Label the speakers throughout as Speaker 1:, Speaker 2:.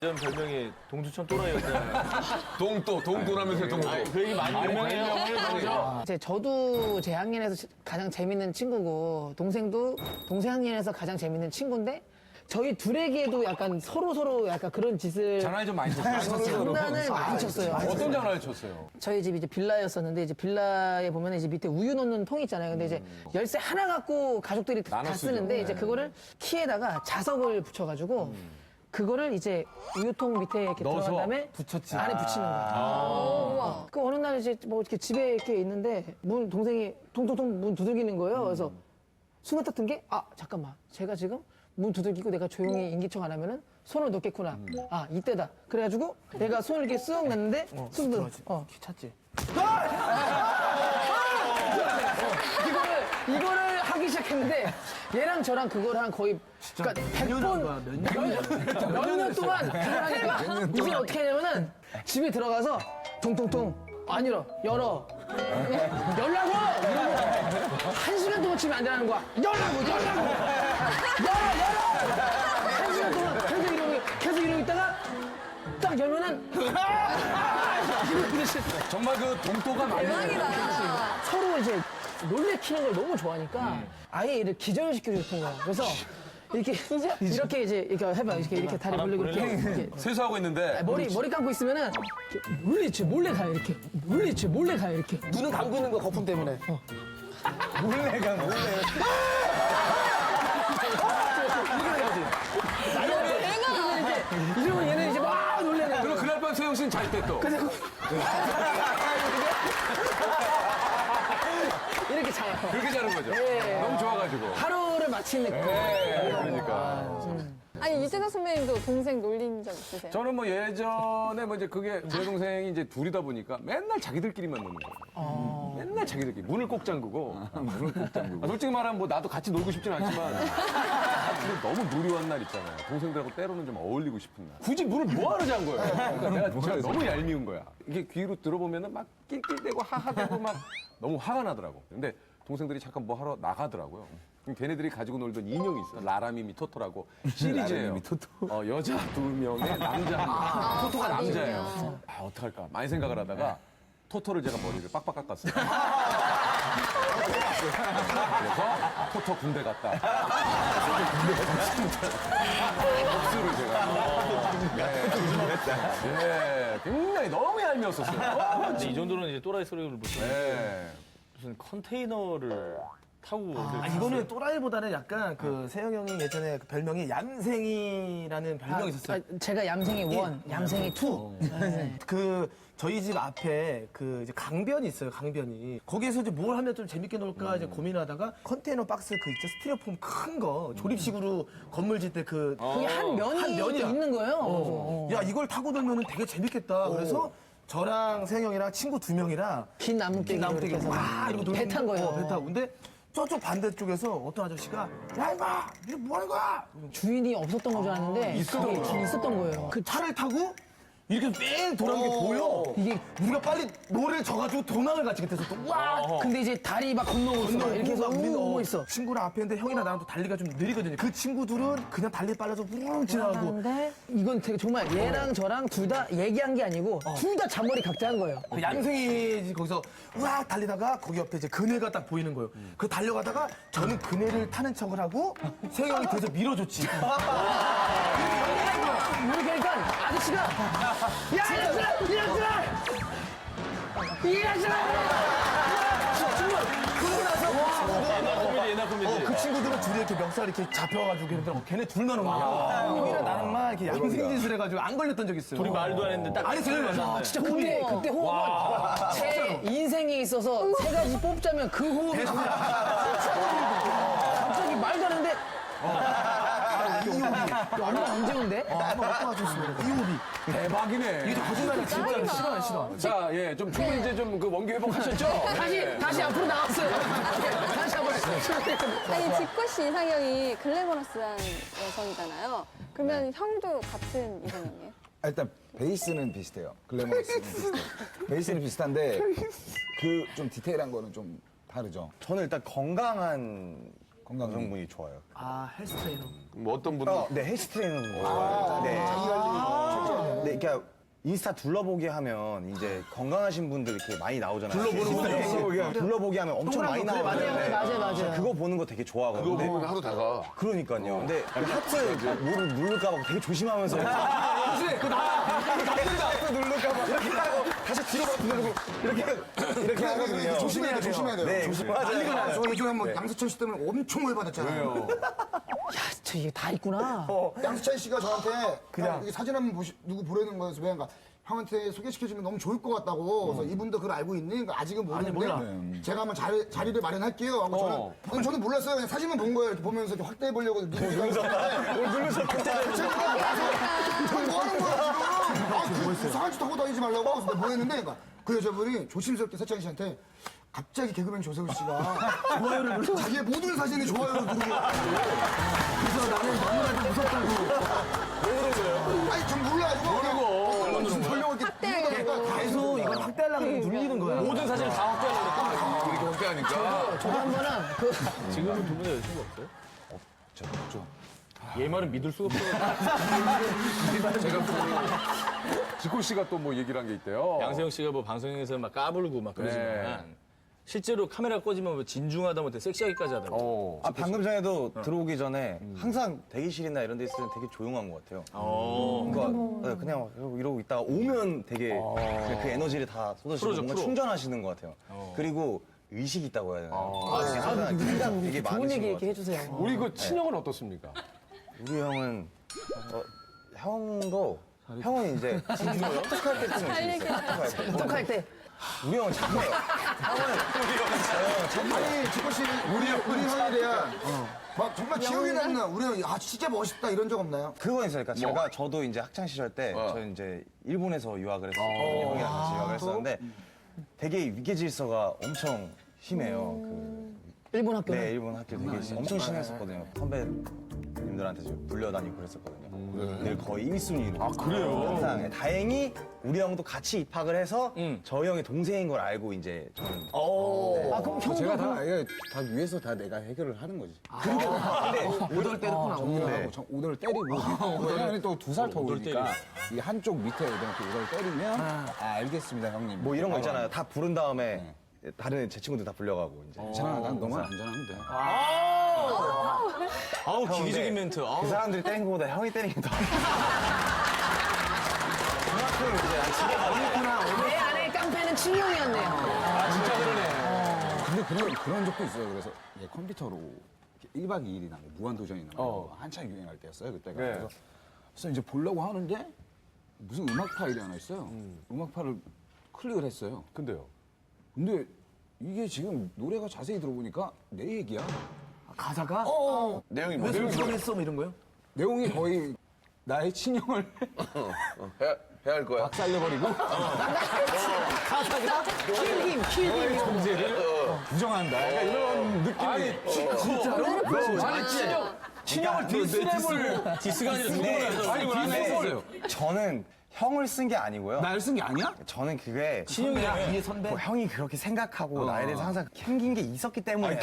Speaker 1: 전 별명이 동두천 또라이였잖아요.
Speaker 2: 동도라면서 동도.
Speaker 1: 그 얘기 많이 유명해요.
Speaker 3: 이제 저도 제 학년에서 가장 재밌는 친구고 동생도 동생 학년에서 가장 재밌는 친구인데 저희 둘에게도 약간 서로 약간 그런 짓을
Speaker 2: 장난이 좀 많이 쳤어요.
Speaker 3: 장난을 많이 쳤어요.
Speaker 2: 어떤 장난을 쳤어요?
Speaker 3: 저희 집이 이제 빌라였었는데 이제 빌라에 보면 이제 밑에 우유 넣는 통이 있잖아요. 근데 이제 열쇠 하나 갖고 가족들이 다
Speaker 2: 나눠 쓰죠.
Speaker 3: 쓰는데 이제 그거를 키에다가 자석을 붙여가지고 그거를 이제 우유통 밑에 이렇게
Speaker 2: 넣어서
Speaker 3: 들어간 다음에
Speaker 2: 붙였지.
Speaker 3: 안에 붙이는 거야. 그 어느 날 이제 뭐 이렇게 집에 이렇게 있는데 동생이 통통통 문 두들기는 거예요. 그래서 순간 딱 든 게 잠깐만 제가 지금 문 두들기고 내가 조용히 인기척 안 하면은 손을 넣겠구나. 이때다. 그래가지고 내가 손을 이렇게 쓱 놨는데 쓱 들어. 찾지. 이거를 하기 시작했는데 얘랑 저랑 그걸 한 거의 그러니까 100번 몇 년 동안 그걸 하니까 이제 어떻게 하냐면은 집에 들어가서 통통통 안 열어 열어 열라고 이러고 1시간 동안 집에 앉아라는 거야. 열라고 열어 1시간 동안 계속 이러고 있다가 딱 열면은
Speaker 2: 정말 그 동도가 많이.
Speaker 4: 대박이다.
Speaker 3: 서로 이제 놀래키는 걸 너무 좋아하니까 아예 이를 기절시켜줬던 거야. 그래서 이렇게 이제 이렇게 해봐. 이렇게 다리 벌리고 이렇게
Speaker 2: 세수하고 있는데.
Speaker 3: 머리 감고 있으면은 이렇게 몰래 가요. 이렇게 몰래 가요. 이렇게
Speaker 5: 눈은 감고 있는 거 거품 때문에.
Speaker 3: 이러면 얘는 이제 막 놀래는 거야.
Speaker 2: 그럼 그날 밤 소영 씨는 잘 때 또.
Speaker 3: 이렇게 자요.
Speaker 2: 그렇게 자는 거죠.
Speaker 3: 네.
Speaker 2: 너무 좋아가지고.
Speaker 3: 하루를 마친 느낌.
Speaker 2: 그러니까.
Speaker 4: 아니 이재석 선배님도 동생 놀린 적 있으세요?
Speaker 2: 저는 뭐 예전에 뭐 이제 그게 제 동생이 이제 둘이다 보니까 맨날 자기들끼리만 노는 거예요. 맨날 자기들끼리. 문을 꼭 잠그고. 솔직히 말하면 뭐 나도 같이 놀고 싶진 않지만. 너무 누리한 날 있잖아요. 동생들하고 때로는 좀 어울리고 싶은 날. 굳이 문을 뭐하러 잔 거예요? 그러니까 제가 너무 얄미운 거야. 이게 귀로 들어보면은 막 낄낄대고 하하대고 막 너무 화가 나더라고. 근데 동생들이 잠깐 뭐 하러 나가더라고요. 그럼 걔네들이 가지고 놀던 인형이 있어. 라라미미 토토라고 시리즈예요. 여자 2명에 남자 1명. 토토가 남자예요. 어떡할까. 많이 생각을 하다가 토토를 제가 머리를 빡빡 깎았어요. 그래서 토토 군대 갔다. 복수를 제가. 네, 굉장히 너무 얄미웠었어요.
Speaker 1: 근데 이 정도는 이제 또라이 소리를 못 듣는
Speaker 2: 네.
Speaker 1: 무슨 컨테이너를 타고
Speaker 5: 이거는 또라이보다는 약간 그 세영 형이 예전에 그 별명이 얌생이라는 별명이 있었어요.
Speaker 3: 제가 얌생이 1, 얌생이 2.
Speaker 5: 그 저희 집 앞에 그 이제 강변이 있어요. 강변이 거기에서 이제 뭘 하면 좀 재밌게 놀까 이제 고민하다가 컨테이너 박스 그 있죠 스티로폼 큰 거 조립식으로 건물 짓 때 그
Speaker 3: 그게 한 면이 또 있는 거예요.
Speaker 5: 야 이걸 타고 놀면은 되게 재밌겠다. 그래서 저랑 세영 형이랑 친구 2명이랑
Speaker 3: 긴 나무깨기
Speaker 5: 나무되게 와 이러고
Speaker 3: 배 탄 거예요.
Speaker 5: 배 타고 근데 저쪽 반대쪽에서 어떤 아저씨가 야 이봐 이거 뭐 하는 거야?
Speaker 3: 주인이 없었던 건 줄 알았는데 그게 있었던 거예요.
Speaker 5: 그 차를 타고 이렇게 뺑 돌아온 게 보여.
Speaker 3: 이게
Speaker 5: 우리가 빨리 노래를 져가지고 도망을 갔지 그때서 또 와.
Speaker 3: 근데 이제 다리 막 건너고 있어. 막 이렇게 해서 오고 있어.
Speaker 5: 친구랑 앞에 있는데 형이랑 나랑 또 달리가 좀 느리거든요. 그 친구들은 그냥 달리 빨라서 우웅 지나가고.
Speaker 3: 근데 이건 되게 정말 얘랑 저랑 둘 다 얘기한 게 아니고 둘 다 잔머리 각자 한 거예요.
Speaker 5: 그 얌생이 거기서 우악 달리다가 거기 옆에 이제 그네가 딱 보이는 거예요. 그 달려가다가 저는 그네를 타는 척을 하고 세영 형이 뒤에서 밀어줬지.
Speaker 3: 이렇게 하니까 아저씨가 야 이 아저씨가 정말 그러고 나서
Speaker 1: 옛날 코미디.
Speaker 5: 그 친구들은 둘이 이렇게 멱살 이렇게 잡혀가지고 걔네들 걔네 둘만 온 거야. 형이랑 나랑만 이렇게 양생짓을 해가지고 안 걸렸던 적 있어요.
Speaker 1: 우리 말도 안 했는데 딱
Speaker 5: 아니 제일 맞아.
Speaker 3: 진짜 그때 호흡은 제 인생에 있어서 세 가지 뽑자면 그 호흡이 정말 갑자기 말도 안 하는데 얼마 언제 온대?
Speaker 5: 한번 왔다 가줬으면 이호비.
Speaker 2: 대박이네.
Speaker 5: 이게 거짓말이 진짜 싫어.
Speaker 2: 자, 예, 좀 충분히 이제 좀 그 원기 회복하셨죠?
Speaker 3: 다시 앞으로 나왔어요. 다시 한번
Speaker 4: 아니 지코 씨 이상형이 글래머러스한 여성이잖아요. 그러면 형도 같은 이상형이에요?
Speaker 6: 일단 베이스는 비슷해요. 글래머러스는 비슷해요. 베이스는 비슷한데 그 좀 디테일한 거는 좀 다르죠.
Speaker 7: 저는 일단 건강한
Speaker 6: 건강 성분이 좋아요.
Speaker 5: 아, 헬스 트레이너.
Speaker 2: 뭐 어떤 분들
Speaker 7: 네, 헬스 트레이너. 네. 네, 그러니까 인스타 둘러보기 하면 이제 건강하신 분들 이렇게 많이 나오잖아요. 둘러보기 하면 엄청 많이 나오잖아요.
Speaker 3: 맞아요.
Speaker 7: 그거 보는 거 되게 좋아하거든요.
Speaker 2: 그거 보면 하루 다 가.
Speaker 7: 그러니까요. 근데 하트 뭐를 누를까봐 되게 조심하면서. 하트 누를까봐 이렇게 하고 다시 뒤로 누르고 이렇게 하거든요.
Speaker 6: 조심해야 돼, 조심해야 돼요.
Speaker 7: 네, 맞아요.
Speaker 6: 저 예전에 뭐 양세찬 씨 때문에 엄청 오해받았잖아요.
Speaker 3: 저 이게 다 있구나.
Speaker 6: 양세찬 씨가 저한테 그냥 이게 사진 한번 누구 보내는 거여서 그러니까 형한테 소개시켜주면 너무 좋을 것 같다고. 그래서 이분도 그걸 알고 있니? 그러니까 아직은 모르는데 제가 한번 자리를 마련할게요. 하고 저는 몰랐어요. 그냥 사진만 본 거예요. 이렇게 보면서 이렇게 확대해 보려고 누르셨는데 저는 뭐 하는 거야 지금? 이상한 짓 하고 다니지 말라고. 그래서 내가 뭐 했는데 그러니까 그 여자분이 조심스럽게 세찬 씨한테 갑자기 개그맨 조세호 씨가 좋아요를 누르고 자기의 모든 사진에 좋아요를 누르고 그래서 나는 너무나도 무섭다고. 왜 그런 거예요? 아니 전 몰라가지고 모르고 설명을 이렇게
Speaker 5: 계속 이걸 확대하려고 눌리는 거야.
Speaker 1: 모든 사진을 다 확대하려고
Speaker 2: 이렇게 확대하니까.
Speaker 3: 저도 한 번은 그
Speaker 1: 지금은 두 분의 여자친구 없어요?
Speaker 6: 없죠.
Speaker 1: 얘 말은 믿을 수가 없어요.
Speaker 2: 지코 씨가 또 뭐 얘기를 한 게 있대요.
Speaker 1: 양세형 씨가 뭐 방송에서 막 까불고 막 그러지만 실제로 카메라 꺼지면 뭐 진중하다 못해 섹시하기까지 하더라고요.
Speaker 7: 방금 전에도 들어오기 전에 항상 대기실이나 이런 데 있을 때 되게 조용한 것 같아요. 그러니까 그냥 이러고 있다가 오면 되게 그냥 그 에너지를 다 쏟으시고
Speaker 1: 풀어줘,
Speaker 7: 뭔가
Speaker 1: 풀어.
Speaker 7: 충전하시는 것 같아요. 그리고 의식이 있다고 해야 되나? 항상 되게
Speaker 3: 좋은
Speaker 7: 많으신
Speaker 3: 얘기
Speaker 7: 것
Speaker 3: 이렇게
Speaker 7: 같아요.
Speaker 3: 해주세요.
Speaker 2: 우리 그 친형은 어떻습니까?
Speaker 7: 우리 형은 형은 이제 진짜 합숙할 때쯤에 있어요. 합숙할 때.
Speaker 3: 똑할 때.
Speaker 7: 우리 형은 착해요.
Speaker 6: 아니 지코 씨 우리 형에 대한 막 정말 기억이 남는 우리 형이 아 진짜 멋있다 이런 적 없나요?
Speaker 7: 그건 있어요. 그러니까 저도 이제 학창 시절 때 저는 이제 일본에서 유학을 했었거든요. 형이랑 같이 유학을 했었는데 되게 위계 질서가 엄청 심해요.
Speaker 3: 일본 학교는.
Speaker 7: 네, 일본 학교 되게 엄청 심했었거든요. 선배님들한테 좀 불려다니고 그랬었거든요. 늘 거의 1순위로. 아, 그래요? 항상. 다행히 우리 형도 같이 입학을 해서 저희 형이 동생인 걸 알고 이제 저는.
Speaker 3: 아, 그럼 형도
Speaker 6: 제가
Speaker 3: 그럼
Speaker 6: 다 위에서 다 내가 해결을 하는 거지.
Speaker 7: 근데
Speaker 6: 오돌 때렸구나. 오돌을 때리고 형이 또 2살 더 오니까 이 한쪽 밑에 이렇게 오돌 때리면 알겠습니다 형님.
Speaker 7: 뭐 이런 거 있잖아요. 다 부른 다음에 다른 제 친구들 다 불려가고 이제.
Speaker 6: 괜찮아 난 너만 안전하면 돼.
Speaker 1: 아우,
Speaker 7: 형,
Speaker 1: 기기적인
Speaker 7: 네.
Speaker 1: 멘트.
Speaker 7: 그 사람들이 때린 것보다 형이 때리는 게 더. 그만큼 이제 난 집에 가면
Speaker 3: 내 아내의 깡패는 친형이었네요.
Speaker 6: 근데 그런 적도 있어요. 그래서 얘 컴퓨터로 1박 2일이나 무한도전이나 한창 유행할 때였어요 그때가. 그래서 이제 보려고 하는데 무슨 음악 파일이 하나 있어요. 음악 파일을 클릭을 했어요.
Speaker 2: 근데요.
Speaker 6: 근데 이게 지금 노래가 자세히 들어보니까 내 얘기야.
Speaker 5: 가사가?
Speaker 2: 내용이
Speaker 5: 왜 소송했어? 뭐 이런 거요?
Speaker 6: 내용이 거의 나의 친형을
Speaker 2: 해야 할 거야.
Speaker 6: 박살내버리고
Speaker 3: 킬힘.
Speaker 6: 부정한다. 약간 이런 느낌이.
Speaker 2: 아니 친형을 디스랩을
Speaker 1: 디스가 아니라
Speaker 7: 네.
Speaker 1: 누구나 해서.
Speaker 7: 저는 형을 쓴 게 아니고요.
Speaker 6: 날 쓴 게 아니야?
Speaker 7: 저는 그게
Speaker 5: 뒤에 선배?
Speaker 7: 뭐 형이 그렇게 생각하고 나에 대해서 항상 캥긴 게 있었기 때문에.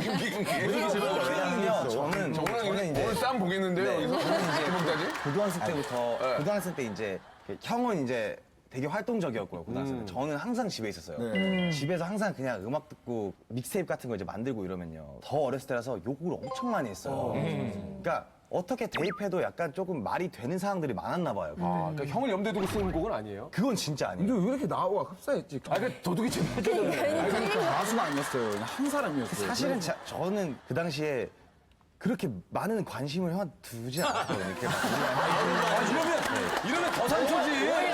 Speaker 7: 왜냐면요, 저는 이제
Speaker 2: 오늘 싸움 보겠는데요. 여기서 해먹다니?
Speaker 7: 고등학생 때 이제 형은 이제 되게 활동적이었고요, 고등학생 때. 저는 항상 집에 있었어요. 집에서 항상 그냥 음악 듣고 믹스테이프 같은 거 이제 만들고 이러면요. 더 어렸을 때라서 욕을 엄청 많이 했어요. 그러니까 어떻게 대입해도 약간 조금 말이 되는 상황들이 많았나 봐요.
Speaker 2: 아, 그러니까 형을 염두에 두고 쓰는 곡은 아니에요?
Speaker 7: 그건 진짜 아니에요.
Speaker 6: 근데 왜 이렇게 나와? 흡사했지.
Speaker 2: 아, 그 도둑이 좀 해줘야
Speaker 6: 가수가 아니었어요. 그냥 한 사람이었어요.
Speaker 7: 사실은 저는 그 당시에 그렇게 많은 관심을 형한테 두지 않았거든요. 이렇게 막
Speaker 2: 이러면 더 상처지.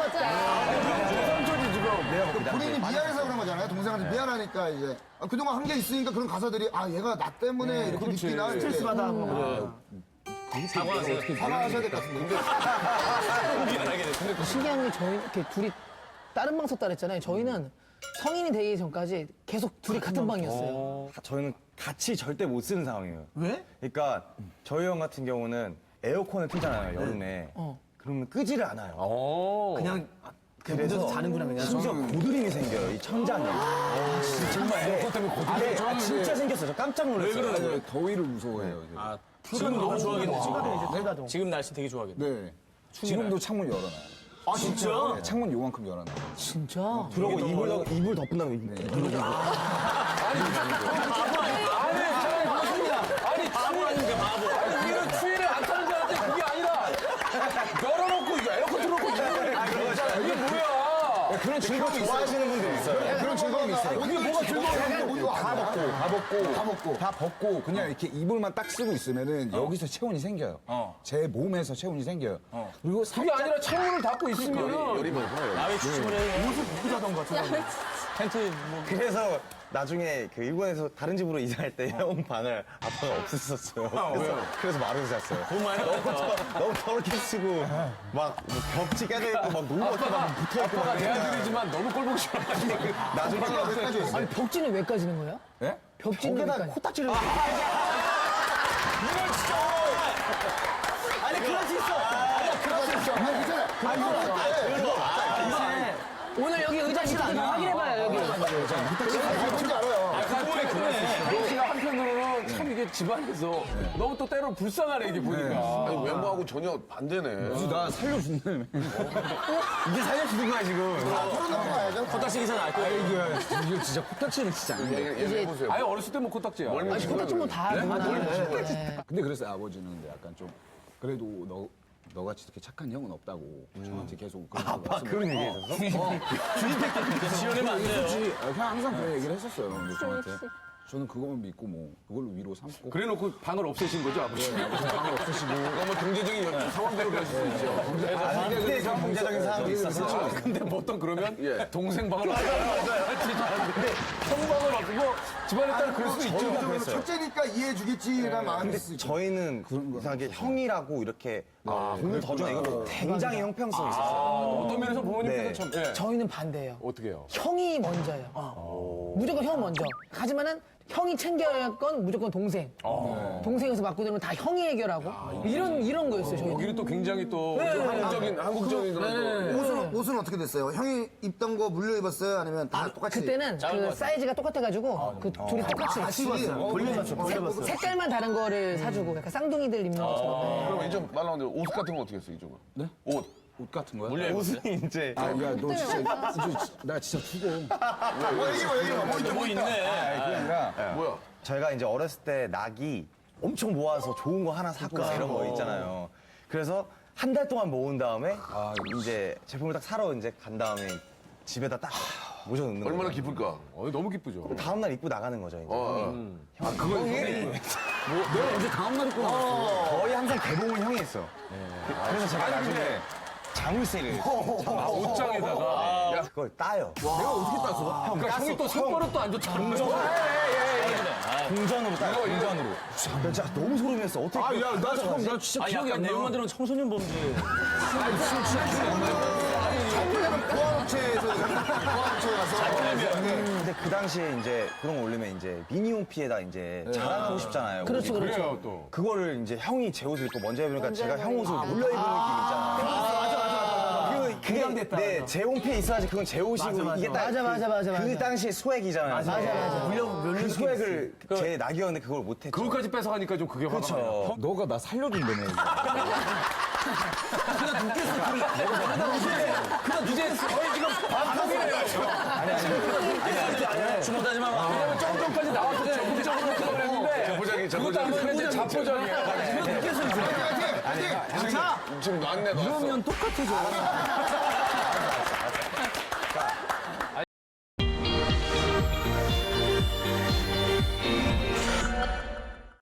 Speaker 6: 본인이 미안해서 그런 거잖아요. 동생한테 미안하니까 이제 그동안 한 게 있으니까 그런 가사들이 얘가 나 때문에 이렇게 느끼나
Speaker 5: 스트레스 받아.
Speaker 6: 사과하셔야 될 것 같은데.
Speaker 3: 신기한 게 저희 이렇게 둘이 다른 방 썼다 그랬잖아요. 저희는 성인이 되기 전까지 계속 둘이 같은 방이었어요.
Speaker 7: 저희는 같이 절대 못 쓰는 상황이에요.
Speaker 5: 왜?
Speaker 7: 그러니까 저희 형 같은 경우는 에어컨을 틀잖아요, 여름에. 그러면 끄지를 않아요.
Speaker 5: 그냥 묻어서 자는구나 그냥.
Speaker 7: 심지어 고드름이 생겨요, 이 천장에. 정말.
Speaker 2: 그것 때문에 고드름이
Speaker 7: 네,
Speaker 2: 저는
Speaker 7: 진짜 생겼어요. 저 깜짝 놀랐어요.
Speaker 8: 더위를 무서워해요. 이제.
Speaker 1: 아, 지금 너무 좋아하겠네, 지금.
Speaker 3: 대가동.
Speaker 1: 지금 날씨 되게 좋아하겠네.
Speaker 8: 네. 지금도 창문 열어놔요.
Speaker 5: 아 진짜?
Speaker 8: 네, 창문 요만큼 열어놔요.
Speaker 3: 진짜?
Speaker 7: 그러고 이불 덮은 다음에
Speaker 1: 바보 아닌가, 바보.
Speaker 2: 우리는 추위를 안 타는 줄 알았는데 그게 아니라 열어놓고 이거 에어컨 틀어놓고 이게 뭐야?
Speaker 7: 그런 즐거움 좋아하시는 분들 있어요.
Speaker 8: 그런 즐거움이 있어요.
Speaker 2: 이게 뭐가 즐거워?
Speaker 8: 다 벗고 그냥 이렇게 이불만 딱 쓰고 있으면은 여기서 체온이 생겨요. 제 몸에서 체온이 생겨요. 그리고
Speaker 2: 그게 아니라 창문을 닫고 있으면
Speaker 1: 야외 추침을 해.
Speaker 5: 옷을 벗고 자던가.
Speaker 1: 텐트 뭐.
Speaker 7: 그래서 나중에 그 일본에서 다른 집으로 이사할 때 형 방을 아빠가 없앴었어요. 그래서 마루에서 잤어요.
Speaker 1: 돈 많이 나갔다.
Speaker 7: 너무 더럽게 쓰고 막뭐 벽지 깨져 있고 막 노루 같은 막 붙어 있고
Speaker 2: 아빠가
Speaker 7: 막
Speaker 2: 내 아들이지만 너무 꼴보기 싫어가지고
Speaker 7: 나중에
Speaker 6: 여기까지 있어요.
Speaker 3: 아니 벽지는 왜 까지는 거예요?
Speaker 8: 예?
Speaker 3: 벽지는 왜
Speaker 7: 거기다
Speaker 3: 까지?
Speaker 7: 코딱지를
Speaker 3: 오늘 여기 의자 밑에 좀 확인해봐요 여기.
Speaker 6: 뭔지 알아요.
Speaker 2: 너 한편으로는 참 이게 집안에서 너무 또 때로 불쌍하네 이게 보니까.
Speaker 9: 아니, 외모하고 전혀 반대네.
Speaker 8: 나 살려준다며.
Speaker 7: 이게 살려주는 거야 지금.
Speaker 6: 서른 넘어가야죠.
Speaker 1: 코딱지 기사는 알 거야.
Speaker 8: 이거 진짜 코딱지는 진짜 안 돼.
Speaker 9: 얘 해보세요.
Speaker 2: 아예 어렸을 때 뭐 코딱지야.
Speaker 3: 아니 코딱지 뭐다 누구나.
Speaker 8: 근데 그래서 아버지는 근데 약간 좀 그래도 너같이 이렇게 착한 형은 없다고 저한테 계속
Speaker 7: 그런 얘기 해줬어?
Speaker 1: 지어내면 안 돼요.
Speaker 8: 그냥 항상 그런 얘기를 했었어요. 근데 저한테 저는 그거만 믿고 뭐 그걸로 위로 삼고
Speaker 2: 그래놓고 방을 없애신 거죠 아버지?
Speaker 8: 방을 없으시고
Speaker 2: 뭐 경제적인 상황대로 그럴 수 있죠.
Speaker 7: 근데 좀 경제적인 상황이 있어서
Speaker 2: 근데 보통 그러면
Speaker 9: 예.
Speaker 2: 동생 방을 근데 형 방을 바꾸고 집안에 따라 그럴 수도 있죠.
Speaker 6: 그러면 첫째니까 이해해주겠지라는 마음이
Speaker 7: 근데
Speaker 6: 있을
Speaker 7: 저희는 이상하게 형이라고 이렇게 공을 더 주나 이거 굉장히 형평성이 있었어요.
Speaker 2: 어떤 면에서 부모님께서
Speaker 7: 네.
Speaker 2: 참 예.
Speaker 3: 저희는 반대예요.
Speaker 2: 어떻게 해요?
Speaker 3: 형이 먼저예요. 무조건 형 먼저. 하지만은 형이 챙겨야 할 건 무조건 동생. 동생에서 맞고 되면 다 형이 해결하고 이런 거였어요. 저희는.
Speaker 2: 여기는 또 굉장히 또 한국적인 그런
Speaker 6: 옷은 어떻게 됐어요? 형이 입던 거 물려 입었어요? 아니면 다 똑같이?
Speaker 3: 그때는 그 사이즈가 똑같아가지고 그 둘이 똑같이
Speaker 6: 같이 돌려봤죠.
Speaker 3: 색깔만 다른 거를 사주고 약간 쌍둥이들 입는 것처럼.
Speaker 9: 그럼 이쪽 말 나오는데 옷 같은 건 어떻게 했어, 이쪽은? 네? 옷.
Speaker 8: 옷 같은 거요?
Speaker 1: 물려 입었어요?
Speaker 7: 옷은 이제
Speaker 8: 야, 너 진짜 나 진짜 죽어.
Speaker 1: 뭐 있네.
Speaker 8: 그게 아니라
Speaker 9: 뭐야?
Speaker 7: 저희가 이제 어렸을 때 낙이 엄청 모아서 좋은 거 하나 사고 이런 거 있잖아요. 그래서 한 달 동안 모은 다음에 이제 제품을 딱 사러 이제 간 다음에 집에다 딱 모셔 넣는 거예요.
Speaker 9: 얼마나 기쁠까?
Speaker 2: 너무 기쁘죠.
Speaker 7: 다음 날 입고 나가는 거죠. 이제.
Speaker 8: 내가 언제 다음 날 입고 나왔어.
Speaker 7: 거의 항상 개봉을 형이 했어. 그래서 제가 나중에 자물쇠를
Speaker 2: 옷장에다가
Speaker 7: 야, 그걸 따요.
Speaker 8: 내가 어떻게 땄어?
Speaker 2: 그러니까 형이 또 손버릇도 안 좋잖아.
Speaker 7: 동전으로 따요. 동전으로. 진짜 너무 소름이었어. 어떻게?
Speaker 8: 나 진짜
Speaker 1: 아,
Speaker 8: 기억이
Speaker 1: 약간
Speaker 8: 안 나.
Speaker 1: 내용만 들으면 청소년 범죄.
Speaker 6: 보안업체에서 가서
Speaker 7: 근데 그 당시에 이제 그런 거 올리면 이제 미니홈피에다 이제 자랑하고 싶잖아요.
Speaker 3: 그렇죠,
Speaker 7: 우리.
Speaker 3: 그렇죠.
Speaker 2: 그래요 또.
Speaker 7: 그거를 이제 형이 제 옷을 입고 먼저 입으니까 제가 형 옷을 몰려 입은 느낌 있잖아요. 맞아. 그게 네, 제 홈피에 있어야지 그건 제 옷이고 이게 딱
Speaker 3: 맞아.
Speaker 7: 그 당시의 스웩이잖아요.
Speaker 3: 맞아.
Speaker 7: 그 스웩을 제 낙이었는데 그걸 못했죠.
Speaker 2: 그것까지 뺏어가니까 좀 그게 화가 나요.
Speaker 7: 그렇죠.
Speaker 8: 너가 나 살려준다며.
Speaker 1: 이제 거의 지금 반복이래요. 아니. 주먹다지 마.
Speaker 2: 왜냐면 점점까지 나와서 적극적으로 그걸 했는데 그것도 안 보면 이제 자포자기야.
Speaker 9: 지금 놨네, 놨어.
Speaker 8: 그러면 똑같아져.